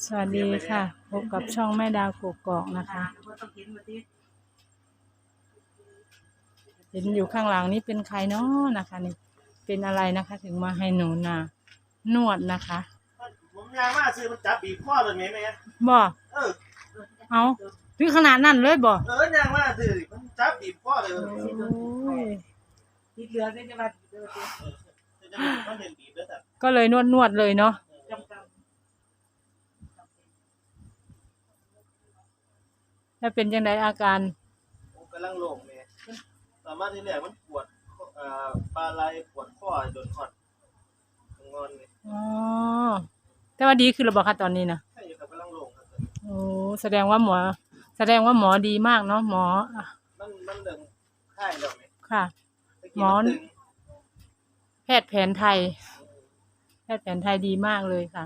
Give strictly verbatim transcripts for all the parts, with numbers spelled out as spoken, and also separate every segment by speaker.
Speaker 1: สวัสดีค่ะพบกับช่องแม่ดาวกกอกนะคะเห็นอยู่ข้างหลังนี่เป็นใครเนาะนะคะนี่เป็นอะไรนะคะ ถึงมาให้หนูนานวดนะคะ
Speaker 2: ผมยางมาซื้อมันจับบีบข้อเลยไหมแม่
Speaker 1: บ่
Speaker 2: เออ
Speaker 1: เอาถึงขนาดนั้นเลยบ่
Speaker 2: เออยางมาซื้อมันจับบีบข้อเลย
Speaker 1: โอ้ย
Speaker 3: ติดเหลือได้จะมาติดเดือด
Speaker 2: จะบีบมันเป็นบีบแล้วแต่
Speaker 1: ก็เลยนวดนวดเลยเนาะถ้าเป็นยังไงอาการ
Speaker 2: ผมกำลังโล่งเนี่ยสามารถที่แรกมันปวดอ่าปลาไหลปวดข้อจนหอดงอนเลย
Speaker 1: อ๋อแต่ว่าดีขึ้นแล้วบ่คะตอนนี้นะ
Speaker 2: ใช่ครับกำลังโล่งครับ
Speaker 1: โอ้แสดงว่าหมอแสดงว่าหมอดีมากเนาะหมอ
Speaker 2: มันมันเดินค่ายแล้วไหม
Speaker 1: ค่ะหมอแพทย์แผนไทยแพทย์แผนไทยดีมากเลยค่ะ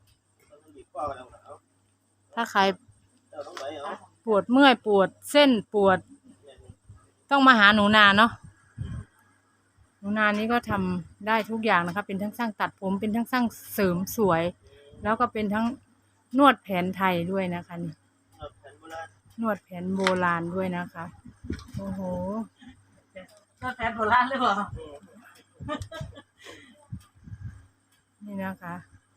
Speaker 1: ถ้าใครปวดเมื่อยปวดเส้นปวดต้องมาหาหนูนาเนาะหนูนานี้ก็ทำได้ทุกอย่างนะคะเป็นทั้งช่างตัดผมเป็นทั้งช่างเสริมสวยแล้วก็เป็นทั้งนวดแผนไทยด้วยนะคะนี่นวดแผนโบราณด้วยนะคะโอ้โห
Speaker 3: นวดแผนโบราณเลยเหรอ
Speaker 1: นี่นะคะ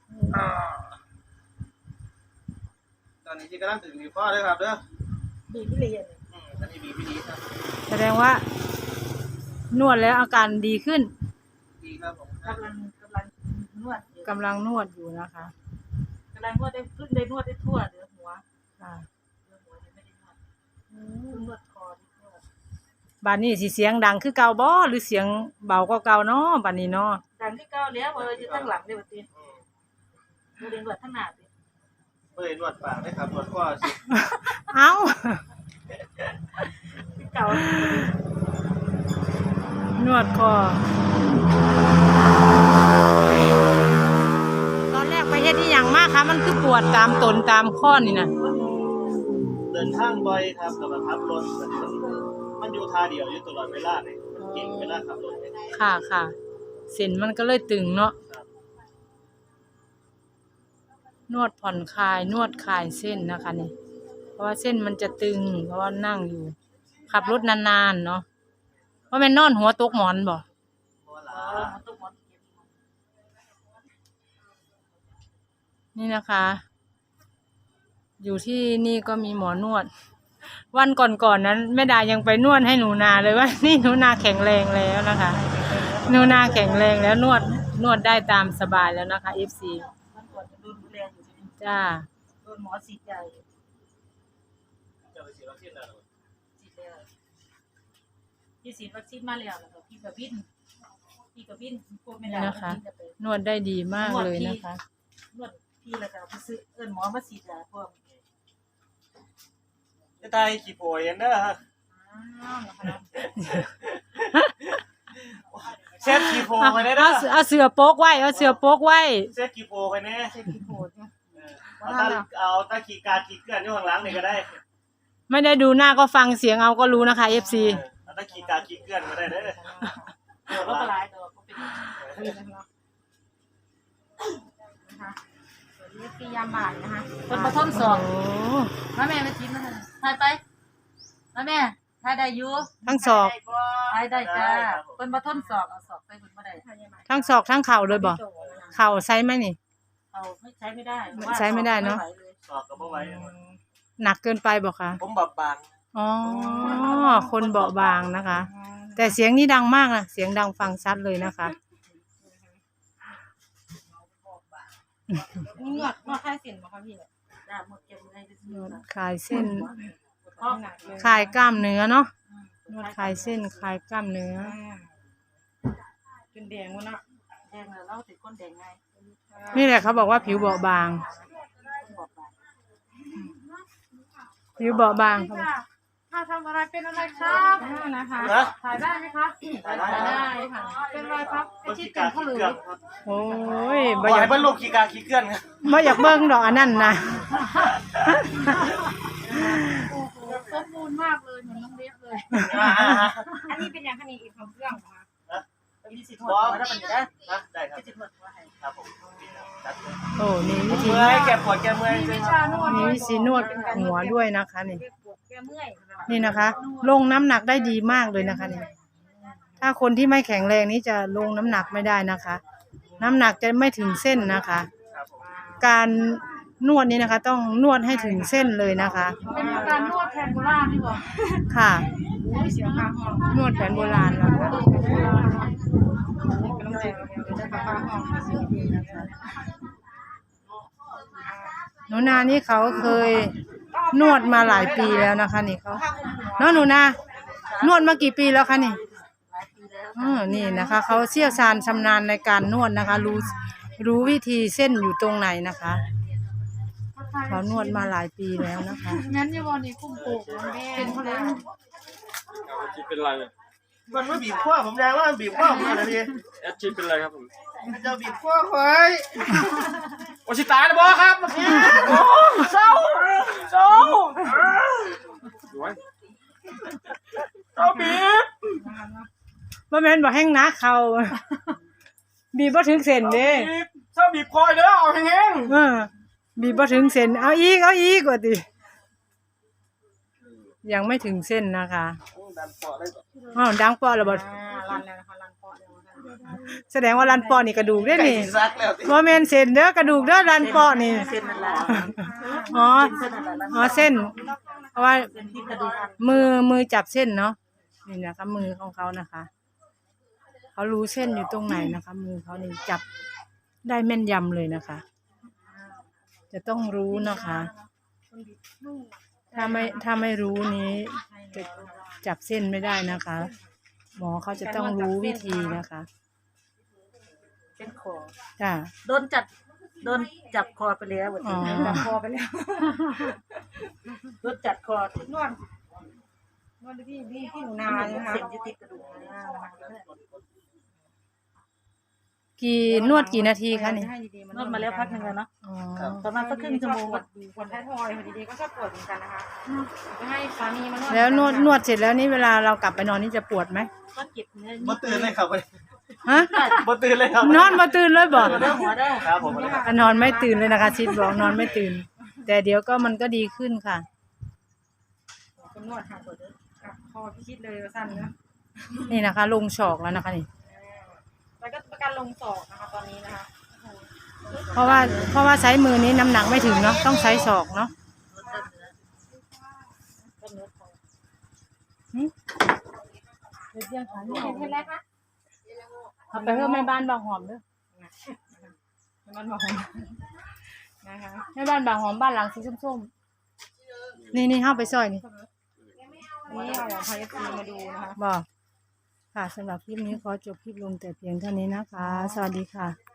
Speaker 2: ตอนนี้ที่กำลังถึงบีบข้อเลยครับเด้อ
Speaker 3: บีบพิลีน
Speaker 2: อืมตอนนี้บีบพิลีครับ
Speaker 1: แสดงว่านวดแล้วอาการดีขึ้น
Speaker 2: ดีครับผม
Speaker 3: กำลังกำลังนวด
Speaker 1: กำลังนวดอยู่นะคะ
Speaker 3: กำลังนวดได้ขึ้นได้นวดได้ทั่วเดือหัว
Speaker 1: ค่ะ
Speaker 3: เดือหัวยังไม่ได้นวดนวดคอที่ทั่ว
Speaker 1: บ้านนี้สิเสียงดังคือเก่าบ่หรือเสียงเบากว่าเก่าเนาะบ้านนี้เนาะ
Speaker 3: ดังที่เก่าแล้วว่าอยู่ข้างหลังเลยบัดนี้ดูเรียนนวดข้างหน้าดิ
Speaker 2: เอ้ยนวดปากได้ครับนวดข้อสิ
Speaker 1: เอ้า
Speaker 3: ที่เก่าน
Speaker 1: วดคอตอนแรกไปเฮ็ดที่อย่างมากคะมันคือปวดตามตนตามข้อนี่นะ
Speaker 2: เดินทางบ่อยครับกับขับรถมันอยู่ท่าเดียวอยู่ตลอดเวลาเลยเก่งเวลาขับรถ
Speaker 1: ค่ะค่ะเส้นมันก็เลยตึงเนาะนวดผ่อนคลายนวดคลายเส้นนะคะนี่เพราะว่าเส้นมันจะตึงเพราะว่านั่งอยู่ขับรถนานๆเนาะเพราะมันนอนหัวตกหมอนบ่นี่นะคะอยู่ที่นี่ก็มีหมอนวดวันก่อนๆนั้นแม่ดายังไปนวดให้หนูนาเลยว่านี่หนูนาแข็งแรงแล้วนะคะหนูนาแข็งแรงแล้วนวดนวดได้ตามสบายแล้วนะคะ เอฟ ซี จ้า
Speaker 3: โดนหมอฉีดใหญ่
Speaker 2: จะไปฉีดวัคซีนแล้ว
Speaker 3: ฉีดแล้วพี่ฉีดวัคซีนมาแล้วแล้วพี่กับวินพี่กับวินพวกไม่ได้
Speaker 1: นะคะนวดได้ดีมากเลยนะคะ
Speaker 3: นวดพี่แล้วก็ไปซื้อเอิ้นหมอมาฉีดยาพวก
Speaker 2: จะตายขี้โพยเด้อฮะเช็ดขี้โพไปได้เด้อ
Speaker 1: เอาเสือโป๊กไว้เอาเสือโป๊กไว้
Speaker 2: เช็ดขี้โพไปแน่
Speaker 3: เช็ดขี้โพเนี่ย
Speaker 2: เอาตาเอาตาขี้กาขี้เกลือนอยู่ข้างหลังนี่ก็ได้
Speaker 1: ไม่ได้ดูหน้าก็ฟังเสียงเอาก็รู้นะคะ เอฟ ซี
Speaker 2: เอาตาขี้กาขี้เกลือนก็ได้เด้อ
Speaker 3: เดี๋ยวก็ปลายตัวก็เป็นนะคะนี่คือยาหม่านะคะคนมาทดสอบมาแม่มาจิ้มนะคะถ่ายไปมาแม่ถ่ายได้อยู่
Speaker 1: ทั้งศอก
Speaker 3: ถ่ายได้จ้าคนมาทดสอบเอาสอบไปคนมาได้
Speaker 1: ทั้งศอกทั้งเข่าเลยบ่เข่าใช้ไหมนี่
Speaker 3: เข่าไม่ใช้ไม่ได้
Speaker 1: ใช้ไม่ได้เนาะ
Speaker 2: ศอกก็บ่ไหว
Speaker 1: หนักเกินไปบ่คะ
Speaker 2: ผมบอบบาง
Speaker 1: อ๋อคนเบาบางนะคะแต่เสียงนี่ดังมากนะเสียงดังฟังชัดเลยนะคะ
Speaker 3: นวดนวดคลายเส้นบ่คะพี่ได้หมดเก็บไว้
Speaker 1: นวดคลายเส้นคลายกล้ามเนื้อเนาะนวดคลายเส้นคลายกล้ามเนื้อ
Speaker 3: เป็นแดงวะนะแดงแล้วเราติดก้นแดงไง
Speaker 1: นี่แหละเขาบอกว่าผิวเบาบางผิวเบาบางครับ
Speaker 3: ถ้าทำอะไรเป็นอะไรครับนะคะถ่ายได้ไหมคะถ่ายได้ค่ะเป็นอะไรครับไอ้ที่เกิดเขาเลย
Speaker 1: โอ้ย
Speaker 2: บ่อยากเป็นลูกขี้กาขี้เกลือนครับ
Speaker 1: บ่อยากเบิ่งดอกอันนั้นนะ
Speaker 3: โอ้โหสมบูรณ์มากเลยเหมือนน้องเล็กเลยอันนี้เป็นอย่างขนี้อีกของเครื่องเหรอคะเป็นที่สิทธิ์หัวถ้าเป็นได้
Speaker 2: ได้ครับ
Speaker 3: ที่สิทธิ์หัวให้
Speaker 2: ครับผม
Speaker 1: โอ้นี่วิธี
Speaker 2: เมื่อยแก้ปวดแก้เมื่อยจริงครับ
Speaker 1: มีวิธีนวดหัวด้วยนะคะนี่
Speaker 3: ปวดแก้เมื่อย
Speaker 1: นี่นะคะ ลงน้ำหนักได้ดีมากเลยนะคะนี่ถ้าคนที่ไม่แข็งแรงนี้จะลงน้ำหนักไม่ได้นะคะ น้ำหนักจะไม่ถึงเส้นนะคะ
Speaker 2: ครับผม
Speaker 1: การนวดนี้นะคะ ต้องนวดให้ถึงเส้นเลยนะคะ
Speaker 3: เป็นการนวดแทนโบราณนี่บ่
Speaker 1: ค่ะ
Speaker 3: เสียค่าห้อง
Speaker 1: นวดแผนโบราณนะคะ
Speaker 3: กำลังใจจะค่าห้อง
Speaker 1: หนูนานี่เขาเคยนวดมาหลายปีแล้วนะคะ นี่เขาเนาะหนูนานวดมากี่ปีแล้วคะนี่อือนี่นะคะ เขาเชี่ยวชาญชำนาญในการนวดนะคะ รู้รู้วิธีเส้นอยู่ตรงไหนนะคะ เขานวดมาหลายปีแล้วนะคะ
Speaker 3: งั้นอย่าบ่นี่คุ้มโปกเป็นเพราะแล้ว
Speaker 4: ชีเป็นไร
Speaker 2: มันไม่บีบข้อผมแดงว่ามันบีบข้อผมอะไรดี
Speaker 4: แอดชีเป็นไรครับผม
Speaker 2: มันจะบีบข้อคอย
Speaker 4: โอชิตายนะบอครับโอ้เศร้าเศร้าสวยเศร้าบีบ
Speaker 1: บ่แม่นบ่แห้งนะเขาบีบบ่ถึงเส้นเด้
Speaker 4: บีบเศร้าบีบคอยเด้อเอาแห้ง
Speaker 1: เออบีบบ่ถึงเส้นเอาอีกเอาอีกว่าติยังไม่ถึงเส้นนะคะ
Speaker 2: ดันปอดได้ก่อน
Speaker 1: อ้าวดังปอแล้วบ่
Speaker 3: อ่ารันแล้วนะคะรันปอดแล้วนะคะ
Speaker 1: แสดงว่ารันปอนี่กระดูกเด้อ
Speaker 2: ไก่
Speaker 1: นี่
Speaker 2: สิซักแล้วติ
Speaker 1: บ่แม่นเส้นเด้อกระดูกเด้อรันปอนี่
Speaker 3: เส้นนั่นแหละ
Speaker 1: อ๋อ
Speaker 3: เส้นนั่นแหละ
Speaker 1: อ๋อเส้น เพราะว่า
Speaker 3: เส้นที่กระดูก
Speaker 1: มือมือจับเส้นเนาะนี่นะคะมือของเขานะคะเขารู้เส้นอยู่ตรงไหนนะคะ มือเขานี่จับได้แม่นยำเลยนะคะ จะต้องรู้นะคะ ถ้าไม่ถ้าไม่รู้นี้จะจับเส้นไม่ได้นะคะ หมอเขาจะต้องรู้วิธีนะคะ
Speaker 3: เป็นคอ
Speaker 1: จ้า
Speaker 3: โดนจัดโดนจับคอไปแล้ว
Speaker 1: อ๋อ
Speaker 3: จับคอไปแล้วโดนจัดคอนวดนวดที่ที่ที่หนูนาใช่ไหมคะเส้นที่ติดกระดูกนะคะ
Speaker 1: กี่นวดกี่นาทีคะนี่
Speaker 3: นวดมาแล้วพักหนึ่งแล้วเนาะ
Speaker 1: อ๋อ
Speaker 3: ประมาณสักครึ่งชั่วโมงก็
Speaker 5: คนท้ายทอยพอดีๆก็ชอบปวดเหมือนกันนะคะจะให้สามีมานวด
Speaker 1: แล้วนวดนวดเสร็จแล้วนี่เวลาเรากลับไปนอนนี่จะปวดไหม
Speaker 3: ก็เก็บเนื้อ
Speaker 2: บ่ตื่นเลยครับ
Speaker 1: ฮะ
Speaker 2: บ่ตื่นเลยครับ
Speaker 1: นอนมาตื่นเลยบอก
Speaker 3: เด้อหัวเด้อ
Speaker 2: ครับผม
Speaker 1: นอนไม่ตื่นเลยนะคะชิดบอกนอนไม่ตื่น แต่เดี๋ยวก็มันก็ดีขึ้นค่ะ
Speaker 5: คนนวดค่ะปวดค่ะคอพิชิตเลยว่าสั้นนะ
Speaker 1: นี่นะคะ ลงศอกแล้วนะคะนี่
Speaker 5: แล้วก็ประกันลงศอกนะคะตอนนี้นะคะ
Speaker 1: เพราะว่าเพราะว่าใช้มือนี้น้ำหนักไม่ถึงเนาะต้องใช้ศอกเนาะ
Speaker 3: ก็เนื้อคอ
Speaker 1: เดี๋ยวเที่ยงค่ะนี่
Speaker 5: เห็นเห็นแล้วคะ
Speaker 1: เอาไปเพิ่มแม่บ้านบางหอมเด้อ
Speaker 5: มันบอกนะคะ
Speaker 1: แม่บ้านบางหอมบ้านหลังสีส้มๆนี่นี่เข้าไปซอยนี่
Speaker 5: นี่เอาพายซีมาดูนะคะ
Speaker 1: บอกค่ะสำหรับคลิปนี้ขอจบคลิปลงแต่เพียงเท่านี้นะคะ สวัสดีค่ะ